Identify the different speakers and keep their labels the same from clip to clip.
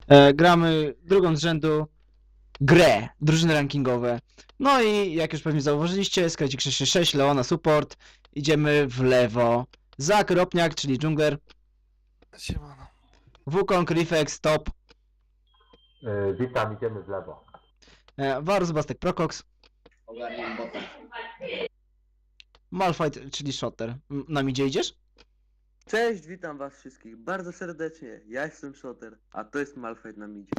Speaker 1: Gramy drugą z rzędu grę, drużyny rankingowe. No i jak już pewnie zauważyliście, Skrecik 666, Leona support, idziemy w lewo. Zak, Ropniak, czyli dżungler,
Speaker 2: Siemano.
Speaker 1: Wukong, Rifex, top,
Speaker 3: Witam, idziemy w lewo.
Speaker 1: Varus, Bastek, Procox,
Speaker 4: Ogarniam bota.
Speaker 1: Malphite, czyli Shotter. Na midzie idziesz?
Speaker 5: Cześć, witam was wszystkich bardzo serdecznie. Ja jestem Shotter, a to jest Malphite na midzie.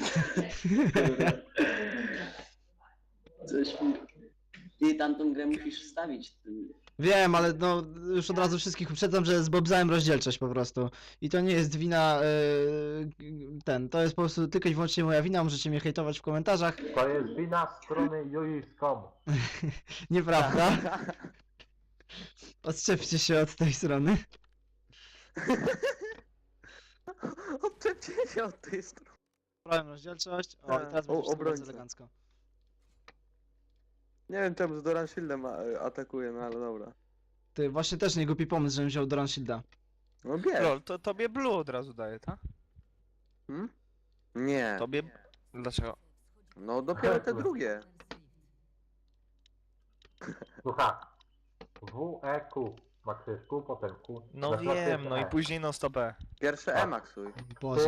Speaker 4: Coś mi... Ty tamtą grę musisz wstawić.
Speaker 1: Wiem, ale no już od razu wszystkich uprzedzam, że zbobzałem rozdzielczość po prostu. I to nie jest wina to jest po prostu tylko i wyłącznie moja wina, możecie mnie hejtować w komentarzach.
Speaker 3: To jest wina strony juice.com.
Speaker 1: Nieprawda? Odczepcie się od tej strony.
Speaker 5: Odczepcie się od tej strony.
Speaker 1: Brałem rozdzielczość. O, i teraz będzie wszystko bardzo
Speaker 5: obrońca.
Speaker 1: elegancko.
Speaker 5: Nie wiem czemu z Doran Shieldem atakuje, no ale dobra.
Speaker 1: Ty, właśnie też nie głupi pomysł, żebym wziął Doran Shielda.
Speaker 5: No bierz.
Speaker 2: Lol, to tobie blue od razu daje, tak?
Speaker 5: Hmm? Nie,
Speaker 2: Tobie... Dlaczego?
Speaker 5: no dopiero te drugie.
Speaker 3: Słuchaj. W, E, Q. Maksujesz Q, potem Q.
Speaker 2: No
Speaker 3: Następnie
Speaker 2: wiem, no i
Speaker 3: E.
Speaker 2: później non stop E.
Speaker 5: Pierwsze
Speaker 3: Tak.
Speaker 5: E maksuj.
Speaker 1: Boże.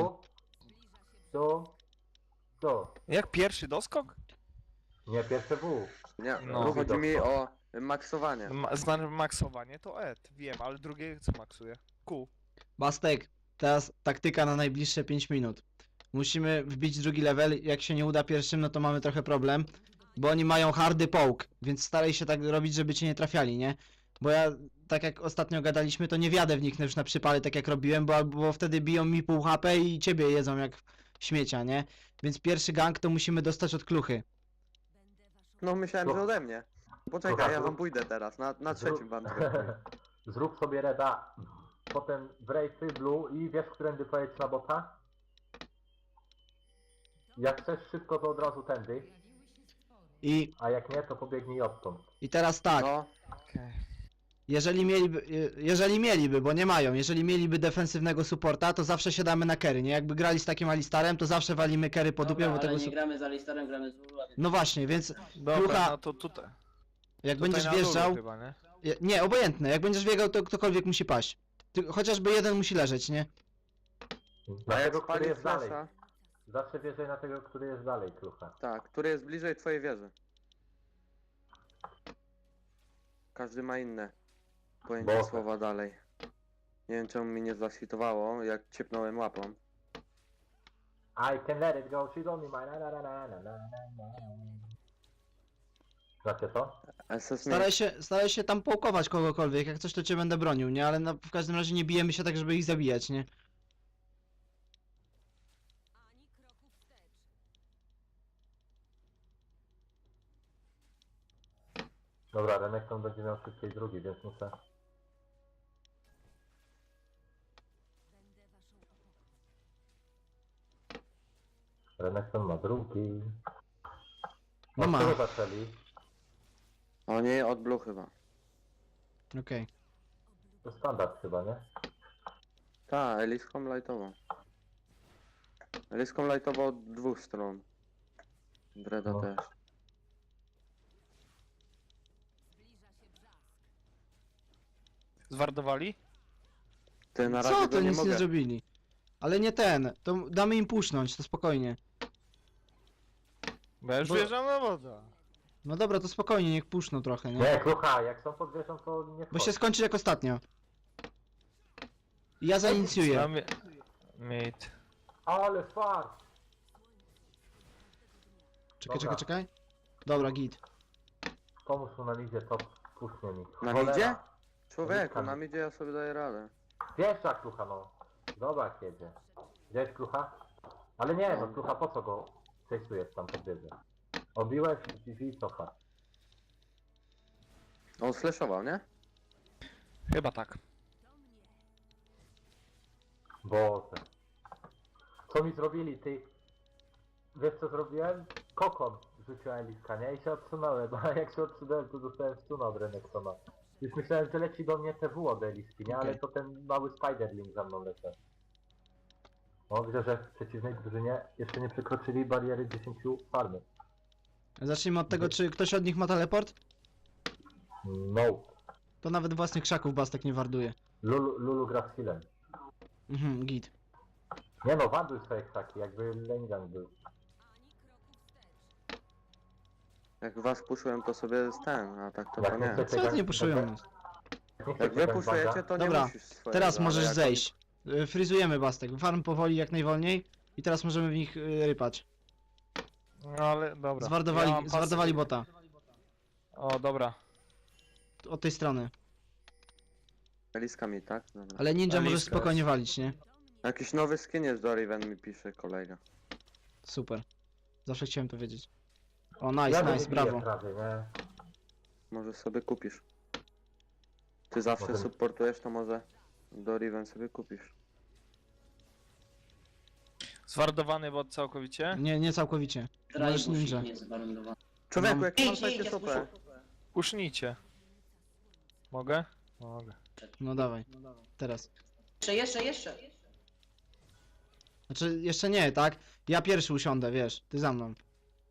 Speaker 3: Tu.
Speaker 2: Jak pierwszy doskok?
Speaker 3: Nie, pierwsze W.
Speaker 5: Nie,
Speaker 2: No.
Speaker 5: no chodzi mi o maksowanie.
Speaker 2: Znaczy maksowanie to E, wiem, ale drugie co maksuje? Q.
Speaker 1: Bastek, teraz taktyka na najbliższe 5 minut. Musimy wbić drugi level, jak się nie uda pierwszym, no to mamy trochę problem. Bo oni mają hardy poke, więc staraj się tak robić, żeby cię nie trafiali, nie? Bo ja, tak jak ostatnio gadaliśmy, to nie wjadę w nich już na przypale, tak jak robiłem, bo wtedy biją mi pół HP i ciebie jedzą jak śmiecia, nie? Więc pierwszy gank to musimy dostać od kluchy.
Speaker 5: No myślałem, że ode mnie. Poczekaj,
Speaker 3: Słuchaj,
Speaker 5: ja wam pójdę teraz, na trzecim wam zrobię.
Speaker 3: Zrób sobie reda. Potem w rejsy, blue i wiesz, którędy pojedź na bota? Jak chcesz szybko, to od razu tędy.
Speaker 1: I,
Speaker 3: A jak nie, to pobiegnij odtąd.
Speaker 1: i teraz tak,
Speaker 5: No,
Speaker 2: Okej.
Speaker 1: jeżeli mieliby, bo nie mają, jeżeli mieliby defensywnego supporta, to zawsze siadamy na carry, nie? Jakby grali z takim Alistarem, to zawsze walimy carry po dupie,
Speaker 4: Dobra,
Speaker 1: bo
Speaker 4: ale
Speaker 1: tego
Speaker 4: nie gramy z Alistarem, gramy z Lula, więc...
Speaker 1: No właśnie, więc
Speaker 2: Dobra,
Speaker 1: Klucha-
Speaker 2: no to tutaj.
Speaker 1: jak
Speaker 2: Tutaj
Speaker 1: będziesz
Speaker 2: na dole
Speaker 1: wjeżdżał...
Speaker 2: chyba, nie?
Speaker 1: Nie, obojętne, jak będziesz biegał, to ktokolwiek musi paść. Chociażby jeden musi leżeć, nie?
Speaker 5: a
Speaker 3: Na
Speaker 5: jak
Speaker 3: tego, który
Speaker 5: spali
Speaker 3: jest dalej.
Speaker 5: flasha,
Speaker 3: Zawsze wierzaj na tego, który jest dalej, klucha.
Speaker 5: tak, który jest bliżej twojej wieży. Każdy ma inne pojęcie
Speaker 3: Bo-
Speaker 5: słowa dalej. Nie wiem czemu mi nie zlasitowało, jak ciepnąłem łapą.
Speaker 3: I can let it go, she's only mine. Na, na, na, na, na, na, na. Znacie to?
Speaker 5: SS
Speaker 1: Staraj się tam połkować kogokolwiek, jak coś to cię będę bronił, nie? Ale w każdym razie nie bijemy się tak, żeby ich zabijać, nie?
Speaker 3: Dobra, Renekton będzie miał szybciej drugi, więc muszę... Renekton ma drugi.
Speaker 1: No
Speaker 3: Od
Speaker 1: ma.
Speaker 3: czego zaczęli?
Speaker 5: O nie, od blue chyba.
Speaker 1: Okej.
Speaker 3: To standard chyba, nie?
Speaker 5: Ta, Eliską lightową. Eliską lightową od dwóch stron. Dreda
Speaker 3: No.
Speaker 5: też.
Speaker 2: Zwardowali?
Speaker 5: Ty na razie
Speaker 1: Co,
Speaker 5: go
Speaker 1: to
Speaker 5: nie
Speaker 1: nic nie
Speaker 5: mogę.
Speaker 1: zrobili. Ale nie ten, to damy im pusznąć, to spokojnie.
Speaker 2: Bo ja już
Speaker 1: Bo-
Speaker 2: wjeżdżam na wodę.
Speaker 1: No dobra, to spokojnie, niech puszczą trochę, nie?
Speaker 3: Nie, klucha, jak są pod wieżą, to nie
Speaker 1: Bo
Speaker 3: wchodź.
Speaker 1: się skończy jak ostatnio. I ja zainicjuję.
Speaker 2: Znamy... Mate.
Speaker 3: Ale fart!
Speaker 1: Czekaj,
Speaker 3: Dobra.
Speaker 1: czekaj. Dobra, git.
Speaker 3: Pomóż mu na midzie, to pusznie mi.
Speaker 5: Na
Speaker 3: Cholera.
Speaker 5: midzie? Człowieku,
Speaker 3: Uliczka
Speaker 5: na
Speaker 3: mi.
Speaker 5: midzie ja sobie daję radę.
Speaker 3: Pierwsza klucha, no. Zobacz, jedzie. Gdzieś klucha? Ale nie, no klucha, po co go chase'ujesz tam pod wieżę? Obiłeś i cofa.
Speaker 5: On slashował, nie?
Speaker 2: Chyba tak.
Speaker 3: Boże. Co mi zrobili, ty? Wiesz co zrobiłem? Kokon rzuciłem liska, nie? I się odsunąłem, a jak się odsunąłem, to dostałem stuna od Renektona. Już myślałem, że leci do mnie TW od Eliski, nie? Ale
Speaker 1: Okej.
Speaker 3: to ten mały Spiderling za mną leciał. No widzę, że w przeciwnej drużynie jeszcze nie przekroczyli bariery 10 farmy.
Speaker 1: Zacznijmy od tego, czy ktoś od nich ma teleport?
Speaker 3: No.
Speaker 1: To nawet własnych krzaków Bastek nie warduje.
Speaker 3: Lulu gra z healem.
Speaker 1: Mhm, git.
Speaker 3: Nie no, wanduj swoje krzaki, jakby Lengan był.
Speaker 5: Jak was puszują, to sobie ten, a tak to
Speaker 3: Jak
Speaker 5: nie.
Speaker 3: chcecie
Speaker 1: Co ty
Speaker 3: gang-
Speaker 1: nie puszują nas?
Speaker 3: nie chcecie
Speaker 5: Jak wy
Speaker 3: gangbanga,
Speaker 5: puszujecie, to nie
Speaker 1: Dobra,
Speaker 5: musisz swojego.
Speaker 1: Teraz
Speaker 5: ale
Speaker 1: możesz
Speaker 5: jak
Speaker 1: zejść. Fryzujemy Bastek. Farm powoli jak najwolniej. I teraz możemy w nich rypać.
Speaker 2: No ale dobra.
Speaker 1: Zwardowali,
Speaker 2: Ja mam pasy.
Speaker 1: zwardowali bota.
Speaker 2: O, dobra.
Speaker 1: Od tej strony.
Speaker 5: Eliskami, tak? Dobra.
Speaker 1: Ale ninja
Speaker 2: Aliska
Speaker 1: możesz spokojnie
Speaker 2: jest.
Speaker 1: walić, nie?
Speaker 5: Jakiś nowy skin jest do Riven, mi pisze kolega.
Speaker 1: Super. Zawsze chciałem to wiedzieć. O,
Speaker 3: Ja
Speaker 1: nice,
Speaker 3: bym
Speaker 1: nice,
Speaker 3: nie biję
Speaker 1: brawo.
Speaker 3: prawie, nie?
Speaker 5: Może sobie kupisz. Ty zawsze
Speaker 3: Może-
Speaker 5: supportujesz, to może do Riven sobie kupisz.
Speaker 2: Zwardowany bot całkowicie?
Speaker 1: Nie, nie całkowicie. Możesz
Speaker 4: Trajbush
Speaker 1: ninja.
Speaker 4: ich nie zwarundował.
Speaker 5: Człowieku,
Speaker 1: No.
Speaker 5: jaki mam
Speaker 4: Idź, idź,
Speaker 5: takie super.
Speaker 2: Pusznijcie. Mogę? Mogę.
Speaker 1: No dawaj. Teraz.
Speaker 4: Jeszcze.
Speaker 1: Znaczy, jeszcze nie, tak? Ja pierwszy usiądę, wiesz. Ty za mną.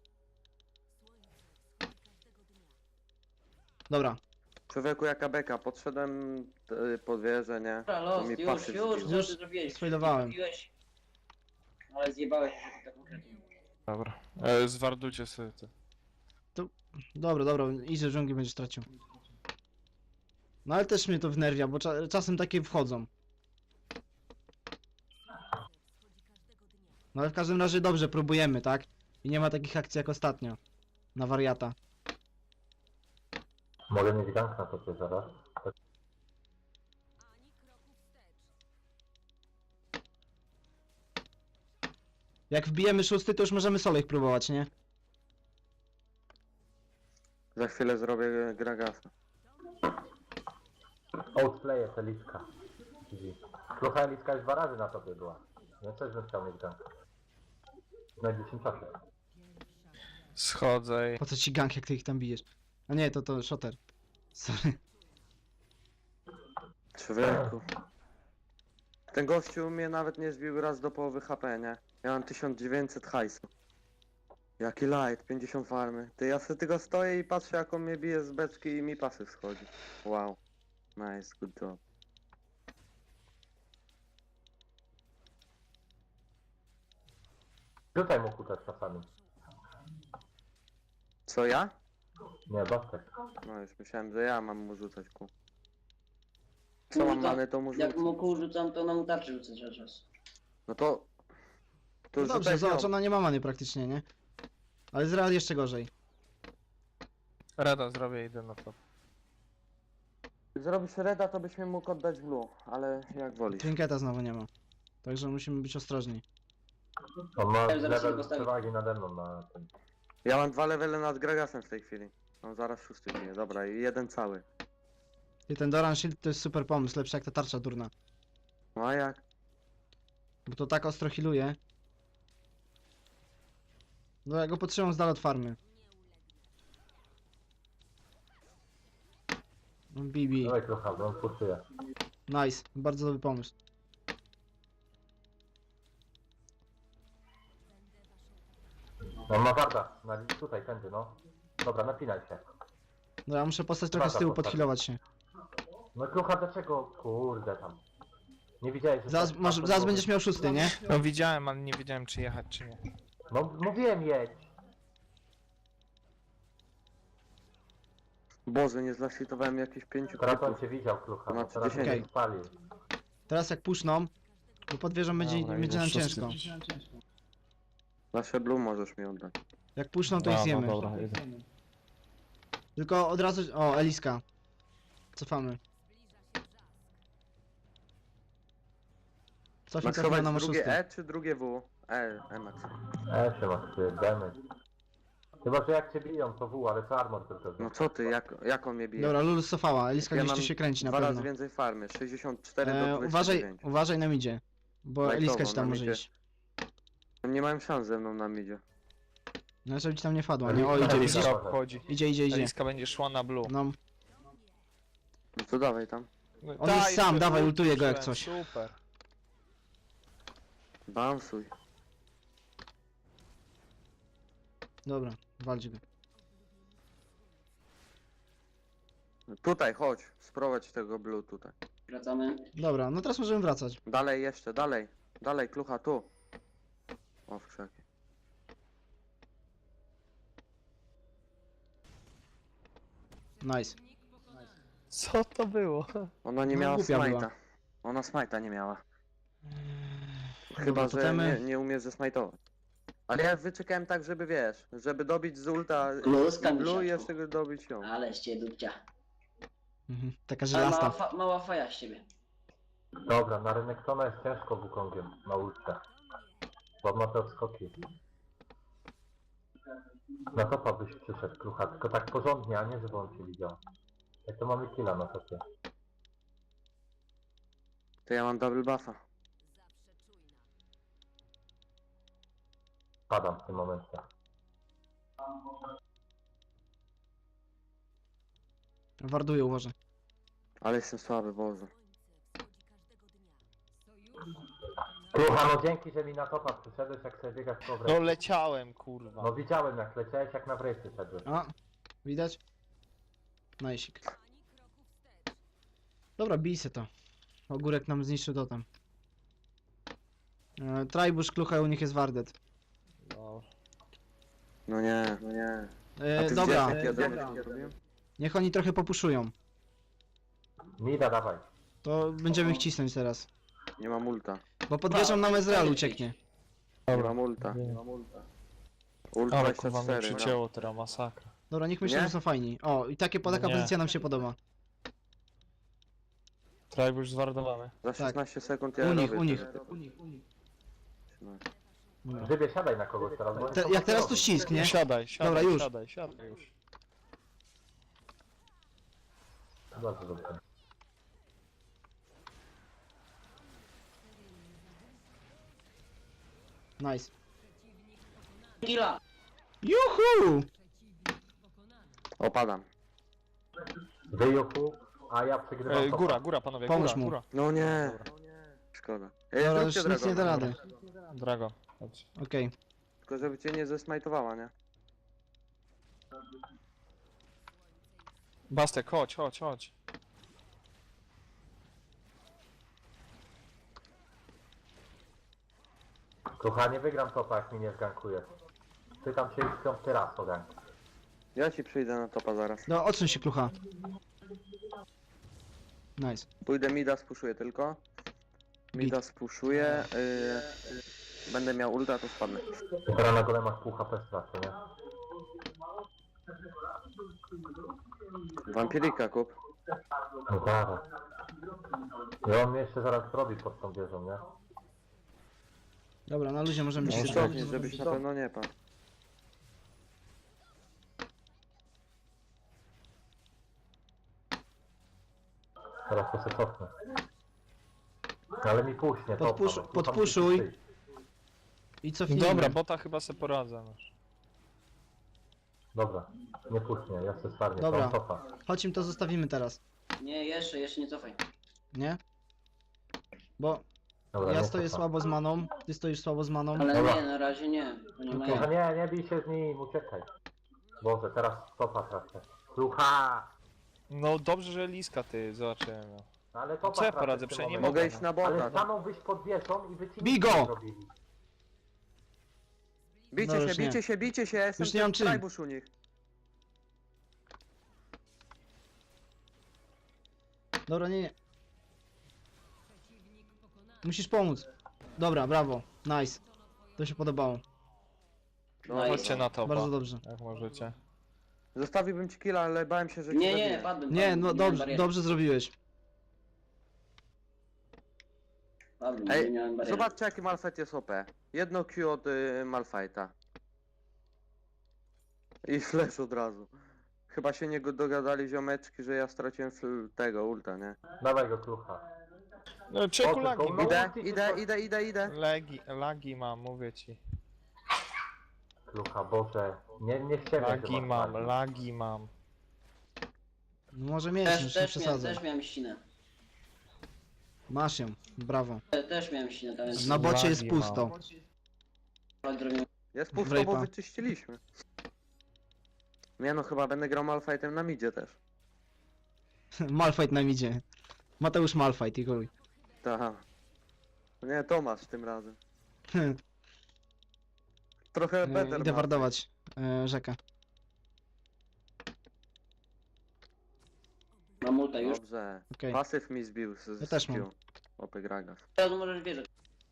Speaker 1: Dobra.
Speaker 5: Człowieku, jaka beka, podszedłem pod wieżę, nie?
Speaker 4: Dobra,
Speaker 5: To
Speaker 4: los,
Speaker 5: mi
Speaker 4: już,
Speaker 5: pasy
Speaker 4: co
Speaker 5: zbiło.
Speaker 4: ty zrobiłeś?
Speaker 1: sfailowałem.
Speaker 4: Zrobiłeś. Ale zjebałeś się tak konkretnie.
Speaker 2: Dobra. Zwardujcie sobie to.
Speaker 1: Dobra, idź do dżungli, będziesz tracił. No ale też mnie to wnerwia, bo czasem takie wchodzą. No ale w każdym razie dobrze, próbujemy, tak? I nie ma takich akcji jak ostatnio. Na wariata.
Speaker 3: Mogę mieć gank na topie zaraz.
Speaker 1: Jak wbijemy szósty, to już możemy solo ich próbować, nie?
Speaker 5: Za chwilę zrobię Gragasa.
Speaker 3: Outplaye jest Eliska. Klucha Eliska już 2 razy na topie była. Ja też bym chciał mieć gank. W najbliższym czasie.
Speaker 2: Schodzę i...
Speaker 1: Po co ci gank, jak ty ich tam bijesz? A nie, to shotter. Sorry.
Speaker 5: Człowieku. Ten gościu mnie nawet nie zbił raz do połowy HP, nie? Ja mam 1900 hajsu. Jaki light, 50 farmy. Ty, ja sobie tylko stoję i patrzę, jak on mnie bije z beczki i mi pasy schodzi. Wow. Nice, good job.
Speaker 3: Rzucaj mu kutę czasami.
Speaker 5: Co ja?
Speaker 3: Nie, Bastek.
Speaker 5: No już myślałem, że ja mam mu rzucać ku. Co mam many, to mu
Speaker 4: Jak
Speaker 5: rzucę.
Speaker 4: mu kół rzucam, to na mu tarczy rzucę cały czas.
Speaker 5: No to... To
Speaker 1: No dobrze,
Speaker 5: rzucaj
Speaker 1: zobacz,
Speaker 5: nią.
Speaker 1: ona nie ma many praktycznie, nie? Ale z Real jeszcze gorzej.
Speaker 2: Reda zrobię, idę na to.
Speaker 5: Zrobisz reda, to byś mi mógł oddać blue, ale jak wolisz.
Speaker 1: Trinketa znowu nie ma. Także musimy być ostrożni.
Speaker 3: On ma
Speaker 4: Ja zaraz się
Speaker 3: level
Speaker 4: postawię.
Speaker 3: przewagi nade mną na tym.
Speaker 5: Ja mam 2 levele nad Gragasem w tej chwili. Mam zaraz 6 bije, dobra, i jeden cały.
Speaker 1: I ten Doran Shield to jest super pomysł, lepszy jak ta tarcza durna.
Speaker 5: No a jak?
Speaker 1: Bo to tak ostro healuje. No ja go potrzymam z dala od farmy. BB.
Speaker 3: Dawaj Klucha, bo on puszuje.
Speaker 1: Nice, bardzo dobry pomysł.
Speaker 3: On ma warda. Tutaj, tędy, no. Dobra, napinaj się.
Speaker 1: No ja muszę postać trochę z tyłu, podhealować się.
Speaker 3: No Klucha, dlaczego? Kurde tam. Nie widziałeś, że...
Speaker 1: Zaraz,
Speaker 3: tak-
Speaker 1: może,
Speaker 3: tak
Speaker 1: zaraz
Speaker 3: było?
Speaker 1: będziesz miał szósty, nie?
Speaker 2: No widziałem, ale nie wiedziałem czy jechać czy nie.
Speaker 3: No mówiłem jedź.
Speaker 5: Boże, nie zlasitowałem jakichś 5
Speaker 3: Teraz on
Speaker 5: krytów.
Speaker 3: cię widział, Klucha.
Speaker 5: Ma
Speaker 3: bo teraz
Speaker 5: 30.
Speaker 3: się spalił.
Speaker 1: Teraz jak puszną, to pod wieżą będzie,
Speaker 2: Dobra,
Speaker 1: będzie
Speaker 2: idę
Speaker 1: nam
Speaker 2: szósty.
Speaker 1: ciężko.
Speaker 5: Nasze blue możesz mi oddać.
Speaker 1: Jak puszną, to ich zjemy.
Speaker 2: dobra, idę.
Speaker 1: Tylko od razu... O, Eliska. Cofamy. Cofnij
Speaker 5: Max
Speaker 1: trochę
Speaker 5: chować
Speaker 1: na
Speaker 5: drugie
Speaker 1: szósty.
Speaker 5: E czy drugie W? Max.
Speaker 3: Się masz, ty, damage. Chyba, że jak cię biją, to W, ale to armor tylko.
Speaker 5: No co ty, jak on mnie bije?
Speaker 1: Dobra, Lulus cofała, Eliska
Speaker 5: Ja
Speaker 1: gdzieś tu
Speaker 5: mam
Speaker 1: się kręci na
Speaker 5: 2 razy
Speaker 1: pewno.
Speaker 5: więcej farmy, 64 do 29.
Speaker 1: Uważaj na midzie. Bo
Speaker 5: Lajtowo,
Speaker 1: Eliska ci tam
Speaker 5: na
Speaker 1: może
Speaker 5: midzie.
Speaker 1: iść.
Speaker 5: Nie mają szans ze mną na midzie.
Speaker 1: No żeby ci tam nie wpadła, nie? O,
Speaker 3: Eliska
Speaker 1: idzie,
Speaker 3: Eliska.
Speaker 1: widzisz?
Speaker 2: Eliska obchodzi.
Speaker 1: Idzie.
Speaker 2: Eliska będzie szła na blue.
Speaker 1: No,
Speaker 5: No to dawaj tam.
Speaker 1: On jest sam,
Speaker 2: super,
Speaker 1: dawaj, ultuję go jak
Speaker 2: uczyłem,
Speaker 1: coś.
Speaker 2: Super.
Speaker 5: Bounsuj.
Speaker 1: Dobra, walcz go.
Speaker 5: Tutaj, chodź. Sprowadź tego blue tutaj.
Speaker 4: Wracamy.
Speaker 1: Dobra, no teraz możemy wracać.
Speaker 5: Dalej jeszcze, dalej. Dalej, klucha, tu. O, w krzaki.
Speaker 1: Nice.
Speaker 2: Co to było?
Speaker 5: Ona nie
Speaker 1: No,
Speaker 5: miała
Speaker 1: głupia była.
Speaker 5: smite'a. Ona smite'a nie miała.
Speaker 1: Dobra,
Speaker 5: Chyba, że
Speaker 1: totemy.
Speaker 5: nie umie zesmajtować. Ale ja wyczekałem tak, żeby wiesz, żeby dobić z ulta
Speaker 4: Kluska,
Speaker 5: blue i
Speaker 4: misiaczku.
Speaker 5: jeszcze go dobić ją.
Speaker 4: Ale z ciebie dupcia.
Speaker 1: Mhm, taka
Speaker 4: Ale
Speaker 1: żelasta.
Speaker 4: mała faja z ciebie.
Speaker 3: Dobra, na Renekton'a jest ciężko Wukongiem na ulcie. Bo ma te odskoki. Na topa byś przyszedł, Krucha, tylko tak porządnie, a nie żeby on cię widział. Jak to mamy killa na topie.
Speaker 5: To ja mam double buffa.
Speaker 3: Padam w tym momencie.
Speaker 1: Warduję, uważaj.
Speaker 5: Ale jestem słaby, Boże.
Speaker 3: Krucha, no dzięki, że mi na topa przyszedłeś, jak sobie biegasz po
Speaker 2: No
Speaker 3: wreszcie.
Speaker 2: leciałem, kurwa.
Speaker 3: No widziałem jak leciałeś, jak na wreszcie szedłeś.
Speaker 1: A, widać? Najsik. Dobra, bij se to. Ogórek nam zniszczył totem. Trajbusz, klucha, u nich jest Wardet.
Speaker 2: No.
Speaker 5: No nie, no nie. A ty
Speaker 1: Dobra,
Speaker 5: widziałeś, jak ja damage zrobiłem?
Speaker 1: niech oni trochę popuszują.
Speaker 3: Mida, dawaj.
Speaker 1: To będziemy ich cisnąć teraz.
Speaker 5: Nie mam ulta.
Speaker 1: Bo podwieżą nam Ezreal ucieknie.
Speaker 5: Nie mam ulta. Ult
Speaker 2: Ale kurwa mnie
Speaker 5: 24, no.
Speaker 2: przycięło teraz, masakra.
Speaker 1: Dobra, niech myślą,
Speaker 5: Nie?
Speaker 1: że są fajni. O, i taka
Speaker 2: Nie.
Speaker 1: pozycja nam się podoba.
Speaker 2: Tribe już zwardowany.
Speaker 5: Za 16 sekund ja
Speaker 1: U nich,
Speaker 5: robię
Speaker 1: u nich.
Speaker 5: to.
Speaker 1: Dobra.
Speaker 3: Grzybie, siadaj na kogoś teraz, bo oni są
Speaker 1: Jak teraz to
Speaker 3: pasterowi.
Speaker 1: ścisk, nie?
Speaker 2: Siadaj, siadaj,
Speaker 1: Dobra, już.
Speaker 2: siadaj, siadaj już.
Speaker 3: Dobrze, dobrze.
Speaker 1: Nice.
Speaker 4: Killa!
Speaker 1: Juhu!
Speaker 5: Opadam.
Speaker 3: Wyjuchu, a ja przegrywam topa.
Speaker 2: Góra, góra panowie,
Speaker 1: Pomóż
Speaker 2: góra,
Speaker 1: mu.
Speaker 2: góra.
Speaker 5: No nie. Szkoda. Ej,
Speaker 1: Dobra,
Speaker 5: zróbcie
Speaker 1: już nic nie da
Speaker 5: Dragona.
Speaker 1: rady.
Speaker 2: Dragon. Chodź.
Speaker 1: Okej.
Speaker 5: Tylko żeby cię nie zesmajtowała, nie?
Speaker 2: Bastek, chodź, chodź, chodź.
Speaker 3: Krucha, nie wygram topa, jak mi nie zgankujesz. Pytam się już 5. raz o gank.
Speaker 5: Ja ci przyjdę na topa zaraz.
Speaker 1: No, odsuń się, klucha. Nice.
Speaker 5: Pójdę mida, spuszuję tylko. Mida spuszuję. Będę miał ulta, to spadnę.
Speaker 3: I teraz na golemach pół HP stracę, nie?
Speaker 5: Wampirika kup.
Speaker 3: No zaraz. I on mnie jeszcze zaraz zrobi pod tą wieżą, nie?
Speaker 1: Dobra, na luzie możemy się
Speaker 5: Stopnie, żebyś na pewno nie padł.
Speaker 3: Teraz to się cofnę. Ale mi puśnie topa.
Speaker 1: Podpusz-
Speaker 3: bo Krucha
Speaker 1: podpuszuj.
Speaker 3: musi przyjść.
Speaker 1: I cofnijmy.
Speaker 2: Dobra, bota chyba se poradzę. No.
Speaker 3: Dobra, nie puśnie, ja się starnię,
Speaker 1: Dobra.
Speaker 3: to topa.
Speaker 1: Chodź im to zostawimy teraz.
Speaker 4: Nie, jeszcze nie cofaj.
Speaker 1: Nie? Bo
Speaker 3: Dobra,
Speaker 1: ja
Speaker 3: nie
Speaker 1: stoję
Speaker 3: cofa.
Speaker 1: słabo z maną, ty stoisz słabo z maną.
Speaker 4: Ale
Speaker 3: Dobra.
Speaker 4: nie, na razie nie. Bo nie
Speaker 1: Okej.
Speaker 4: mają.
Speaker 3: Krucha, nie bij się z nim, uciekaj. Boże, teraz topa tracę. Krucha!
Speaker 2: No dobrze, że Liska ty zobaczyłem. No.
Speaker 3: No ale topa
Speaker 2: Co ja
Speaker 3: tracę
Speaker 2: poradzę?
Speaker 3: w tym
Speaker 2: Przecież nie
Speaker 3: momencie.
Speaker 5: Mogę iść na bota.
Speaker 3: Ale stanął wyjść pod wieżą i wy ci
Speaker 1: Bij
Speaker 3: nic
Speaker 1: go!
Speaker 3: nie zrobili.
Speaker 5: Bijcie
Speaker 1: No
Speaker 5: się,
Speaker 1: już nie.
Speaker 5: bijcie się, bijcie się, ja jestem
Speaker 1: Już nie mam
Speaker 5: ten
Speaker 1: czym.
Speaker 5: trajbusz u nich.
Speaker 1: Dobra, nie. Musisz pomóc. Dobra, brawo. Nice. To się podobało.
Speaker 5: No,
Speaker 4: No i-
Speaker 2: Chodźcie na topa,
Speaker 1: Bardzo dobrze.
Speaker 2: jak możecie.
Speaker 5: Zostawiłbym ci killa, ale bałem się, że ci
Speaker 4: Nie,
Speaker 5: zabiję.
Speaker 4: padłem.
Speaker 1: Nie, no
Speaker 4: miałem
Speaker 1: dobrze,
Speaker 4: barierę.
Speaker 1: dobrze zrobiłeś.
Speaker 4: Padłem,
Speaker 5: Ej,
Speaker 4: nie miałem bariery.
Speaker 5: zobaczcie jaki Malphite jest OP. Jedno Q od Malphite'a. I flash od razu. Chyba się nie dogadali ziomeczki, że ja straciłem tego ulta, nie?
Speaker 3: Dawaj go, Krucha.
Speaker 2: No czeku
Speaker 3: O,
Speaker 2: lagi,
Speaker 3: tylko
Speaker 2: mam.
Speaker 5: Idę.
Speaker 2: Lagi mam, mówię ci.
Speaker 3: Krucha, Boże. Nie ściemniaj, że
Speaker 2: Lagi
Speaker 3: masz
Speaker 2: mam,
Speaker 3: lagi.
Speaker 2: lagi mam.
Speaker 1: No może mieć, już nie przesadzę.
Speaker 4: Też miałem ścinę.
Speaker 1: Masz ją, brawo.
Speaker 4: Też miałem się na to, więc
Speaker 1: Na bocie jest
Speaker 2: Lagi mam.
Speaker 1: pusto.
Speaker 4: zrobię.
Speaker 5: Jest pusto, bo
Speaker 1: Wrape'a.
Speaker 5: wyczyściliśmy. Nie no, chyba będę grał Malfightem na midzie też.
Speaker 1: Malfight nam idzie. Mateusz Malfight i chuj.
Speaker 5: Tak. Nie, Tomasz tym razem. Trochę better
Speaker 1: Idę
Speaker 5: Malphite.
Speaker 1: wardować rzekę.
Speaker 4: Mam multa już.
Speaker 5: Dobrze.
Speaker 1: Okej.
Speaker 5: Pasyw mi zbił z
Speaker 1: Ja też mam.
Speaker 5: Q. Opy Gragas.
Speaker 4: Teraz możesz wierzyć.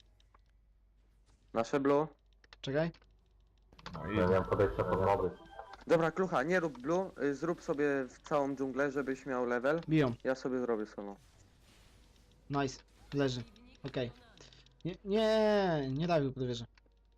Speaker 5: Nasze blue.
Speaker 1: Czekaj.
Speaker 2: No
Speaker 3: Ja miałem podejście pod moby.
Speaker 5: Dobra, Klucha, nie rób blue. Zrób sobie w całą dżunglę, żebyś miał level.
Speaker 1: Biją.
Speaker 5: Ja sobie zrobię solo.
Speaker 1: Nice. Leży. Okej. Nie dawił pod wieżę.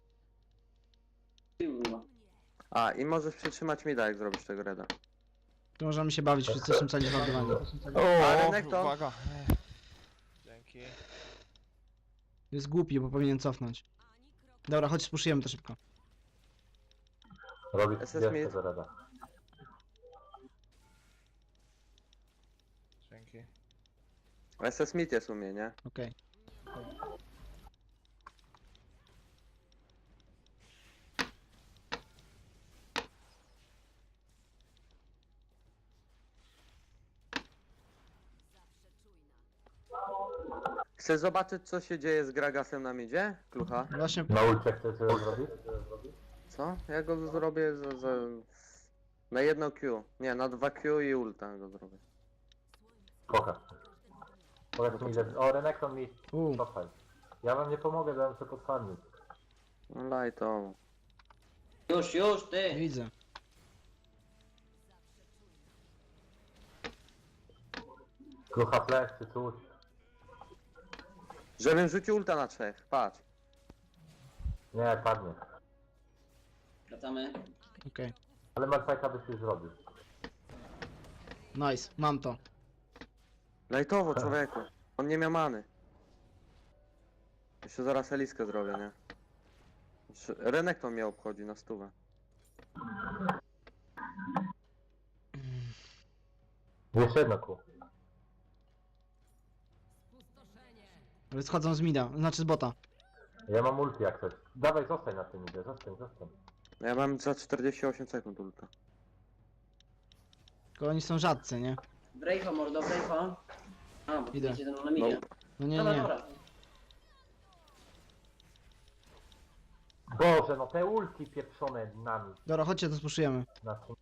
Speaker 5: A, i możesz przytrzymać mida, jak zrobisz tego reda.
Speaker 1: Tu możemy się bawić, wszyscy są cali wardowani.
Speaker 5: A, Renekton?
Speaker 2: Uwaga. Dzięki.
Speaker 1: Jest głupi, bo powinien cofnąć. Dobra, chodź spuszujemy to szybko.
Speaker 3: Robić
Speaker 5: SS
Speaker 3: zdjęcie
Speaker 5: mid.
Speaker 3: do reda.
Speaker 2: Dzięki.
Speaker 5: SS mid jest u mnie, nie?
Speaker 1: Okej.
Speaker 5: Chcesz zobaczyć, co się dzieje z Gragasem na midzie, Klucha?
Speaker 1: Właśnie
Speaker 3: Na ulcie chcesz coś zrobić?
Speaker 5: Co? Ja go zrobię na jedno Q. Nie, na 2 Q i ulta go zrobię.
Speaker 3: Pokaż. Powiedz mi, że... O, Renekton mi...
Speaker 1: U.
Speaker 3: Cofaj. Ja wam nie pomogę, dałem sobie podfarmić.
Speaker 5: No lightowo.
Speaker 4: Już, ty!
Speaker 1: widzę.
Speaker 3: Krucha flash czy coś.
Speaker 5: Żebym rzucił ulta na 3, patrz.
Speaker 3: Nie, padnie.
Speaker 4: Wracamy.
Speaker 1: Okej.
Speaker 3: Ale Malfajta byś już zrobił.
Speaker 1: Nice, mam to.
Speaker 5: Lightowo, człowieku. On nie miał many. Jeszcze zaraz Eliskę zrobię, nie? Renekton mnie obchodzi na stówę.
Speaker 3: Jeszcze jedno kół.
Speaker 1: Ale schodzą z mida, znaczy z bota.
Speaker 3: Ja mam ulti jak coś. Dawaj, zostań na tym idzie, zostań.
Speaker 5: Ja mam za 48 sekund ulta.
Speaker 1: Tylko oni są rzadcy, nie?
Speaker 4: Brejfa, mordo, brejfa. A, bo
Speaker 1: Idę.
Speaker 4: idzie ten na midzie.
Speaker 1: No nie,
Speaker 4: Dobra,
Speaker 1: nie.
Speaker 4: dobra.
Speaker 3: Boże, no te ulti pieprzone nami.
Speaker 1: Dobra, chodźcie, to spuszujemy.
Speaker 3: Na tym.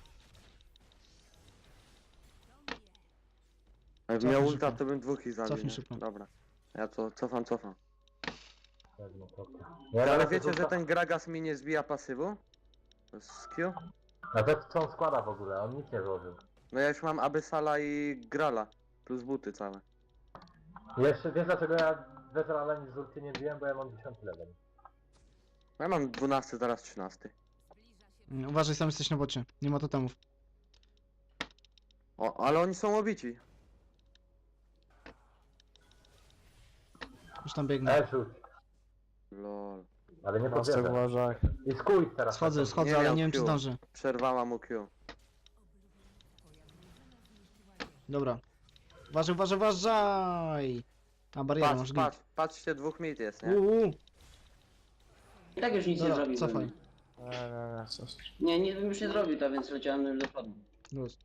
Speaker 5: Jakbym
Speaker 1: Cofnij
Speaker 5: miał ulta,
Speaker 1: szybko.
Speaker 5: to bym dwóch ich zabił,
Speaker 1: Cofnij
Speaker 5: nie?
Speaker 1: szybko.
Speaker 5: Dobra. Ja to cofam.
Speaker 3: Jedno, dobra.
Speaker 5: Ale wiecie, że ten Gragas mi nie zbija pasywu? Z Q?
Speaker 3: A to co on składa w ogóle? On nic nie złożył.
Speaker 5: No ja już mam Abyssala i Grala. Plus buty całe.
Speaker 3: Jeszcze wiesz dlaczego ja Vezrala nic z ulti nie biłem, bo ja mam 10 level.
Speaker 5: Ja mam 12, zaraz 13.
Speaker 1: Uważaj, sam jesteś na bocie. Nie ma totemów.
Speaker 5: O, ale oni są obici.
Speaker 1: Już tam biegnę.
Speaker 3: Rzuć.
Speaker 5: Lol.
Speaker 3: Ale nie
Speaker 2: Pasek
Speaker 3: powierzę.
Speaker 2: uważaj.
Speaker 3: I skuj teraz.
Speaker 1: Schodzę,
Speaker 3: na to.
Speaker 1: schodzę,
Speaker 5: Nie
Speaker 1: ale
Speaker 5: miał
Speaker 1: nie wiem czy
Speaker 5: Q.
Speaker 1: zdążę.
Speaker 5: Przerwała mu Q.
Speaker 1: Dobra. Uważaj! A barierę masz git.
Speaker 5: Patrzcie, dwóch mid jest, nie?
Speaker 4: I tak już nic nie
Speaker 1: Dobra,
Speaker 4: zrobił.
Speaker 1: cofaj.
Speaker 2: Nie, coś.
Speaker 4: Nie, bym już nie zrobił to, więc leciałem już do przodu.
Speaker 1: Luz.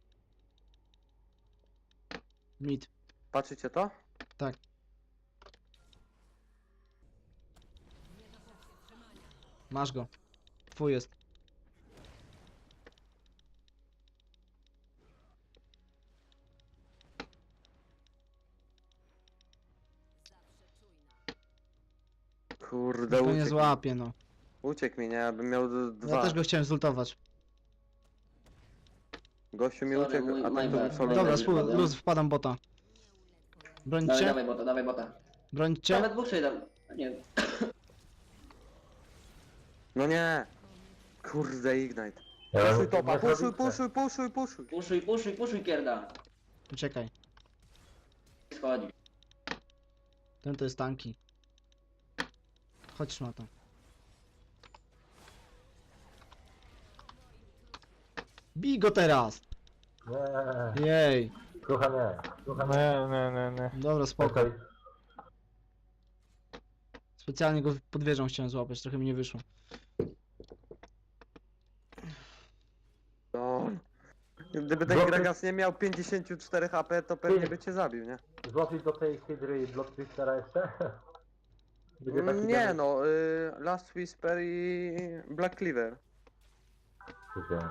Speaker 1: Mid.
Speaker 5: Patrzycie to?
Speaker 1: Masz go. Twój jest.
Speaker 5: Kurde,
Speaker 1: To nie
Speaker 5: uciekł.
Speaker 1: złapie, no.
Speaker 5: Uciekł mi, nie? Ja bym miał dwa.
Speaker 1: Ja też go chciałem zultować.
Speaker 5: Gościu mi
Speaker 4: Sorry,
Speaker 5: uciekł,
Speaker 4: mój-
Speaker 5: a
Speaker 4: my
Speaker 5: tak to bym
Speaker 4: bad.
Speaker 5: sobie...
Speaker 1: Dobra,
Speaker 4: Dobra, dobra.
Speaker 1: luz, wpadam bota. Brońcie?
Speaker 4: Dawaj bota.
Speaker 1: Brońcie?
Speaker 4: Nawet dwóch sobie dam. Nie wiem.
Speaker 5: No nie! Kurde, Ignite.
Speaker 3: Ja
Speaker 5: Puszuj
Speaker 3: bym-
Speaker 5: topa,
Speaker 3: nie zrobicie.
Speaker 5: puszuj.
Speaker 4: Kierda.
Speaker 1: Uciekaj.
Speaker 4: Schodzi.
Speaker 1: Ten to jest tanki. Chodź szmato. Bij go teraz!
Speaker 3: Nie.
Speaker 1: Jej.
Speaker 3: Słucha nie. Słucha nie.
Speaker 2: Nie.
Speaker 1: Dobra, spoko.
Speaker 3: Okej.
Speaker 1: Specjalnie go pod wieżą chciałem złapać, trochę mi nie wyszło.
Speaker 5: No. Gdyby ten
Speaker 3: Bloky-
Speaker 5: Gragas nie miał 54 HP, to pewnie by cię zabił, nie?
Speaker 3: Złożyć do tej hydry Blood Twistera jeszcze? Będzie taki
Speaker 5: Nie
Speaker 3: damage?
Speaker 5: no, Last Whisper i Black Cleaver.
Speaker 3: Widziałem.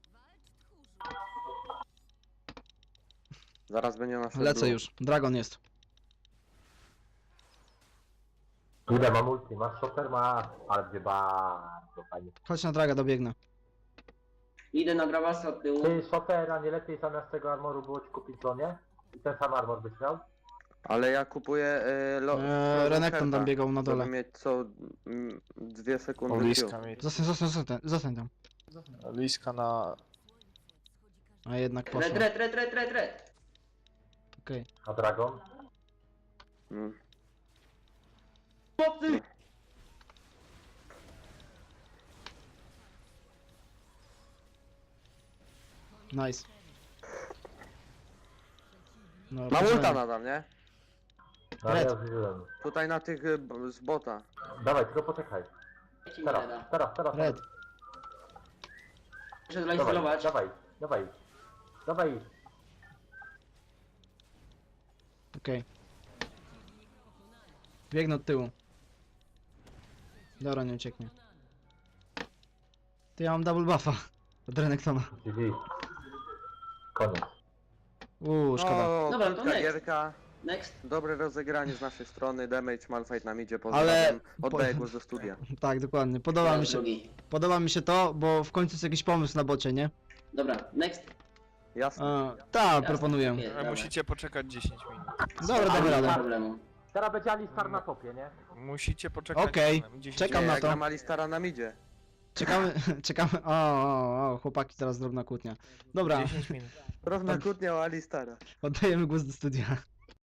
Speaker 5: Zaraz będzie nasz
Speaker 1: Lecę już. Dragon jest.
Speaker 3: Idę, mam ulti, masz shopper, masz, ale będzie bardzo fajnie.
Speaker 1: Chodź na draga, dobiegnę.
Speaker 4: Idę na Gravasa od tyłu.
Speaker 3: Ty, shoppera, nie lepiej zamiast tego armoru było ci kupić zonie? I ten sam armor byś miał?
Speaker 5: Ale ja kupuję
Speaker 1: Renekton tam biegał na dole.
Speaker 5: Żeby mieć co 2 sekundy
Speaker 2: Liska
Speaker 5: Q.
Speaker 2: mi.
Speaker 1: Zostań tam.
Speaker 2: Liska na...
Speaker 1: A jednak poszło.
Speaker 4: Red.
Speaker 1: Okej.
Speaker 3: A Dragon?
Speaker 5: Mm.
Speaker 1: Nice. No,
Speaker 5: Mam
Speaker 1: poczekaj.
Speaker 5: ulta nadal, nie?
Speaker 3: No
Speaker 1: Red.
Speaker 3: ja zużyłem.
Speaker 5: Tutaj na tych z bota.
Speaker 3: Dawaj, tylko poczekaj.
Speaker 4: Ci nie da.
Speaker 3: Teraz.
Speaker 1: Red.
Speaker 4: Muszę
Speaker 3: Dawaj,
Speaker 4: zainstalować.
Speaker 3: dawaj.
Speaker 1: Okej. Biegnę od tyłu. Dobra, nie ucieknie. Ty, ja mam double buffa. Od Renektona.
Speaker 3: GG. Koniec.
Speaker 1: Szkoda.
Speaker 5: O,
Speaker 4: Dobra, to
Speaker 5: krótka
Speaker 4: next.
Speaker 5: gierka.
Speaker 4: Next.
Speaker 5: Dobre rozegranie z naszej strony. Damage, Malphite nam idzie.
Speaker 1: Ale-
Speaker 5: Pozdrawiam. Oddaję głos do studia.
Speaker 1: Tak, dokładnie.
Speaker 4: Drugi.
Speaker 1: Podoba mi się to, bo w końcu jest jakiś pomysł na bocie, nie?
Speaker 4: Dobra, next.
Speaker 5: Jasne.
Speaker 1: Tak, proponuję.
Speaker 4: Jest, dobra.
Speaker 2: Musicie poczekać 10 minut.
Speaker 1: Dobra, damy
Speaker 4: Nie ma
Speaker 1: radę.
Speaker 4: problemu.
Speaker 3: Teraz będzie Alistar na topie, nie?
Speaker 2: Musicie poczekać.
Speaker 1: Okej,
Speaker 2: 10
Speaker 1: czekam
Speaker 5: Nie,
Speaker 1: na
Speaker 5: jak
Speaker 1: to.
Speaker 5: na Malistara nam idzie.
Speaker 1: Czekamy. O, chłopaki, teraz drobna kłótnia. Dobra,
Speaker 2: 10 minut.
Speaker 5: Równa kłótnia o Alistara.
Speaker 1: oddajemy głos do studia.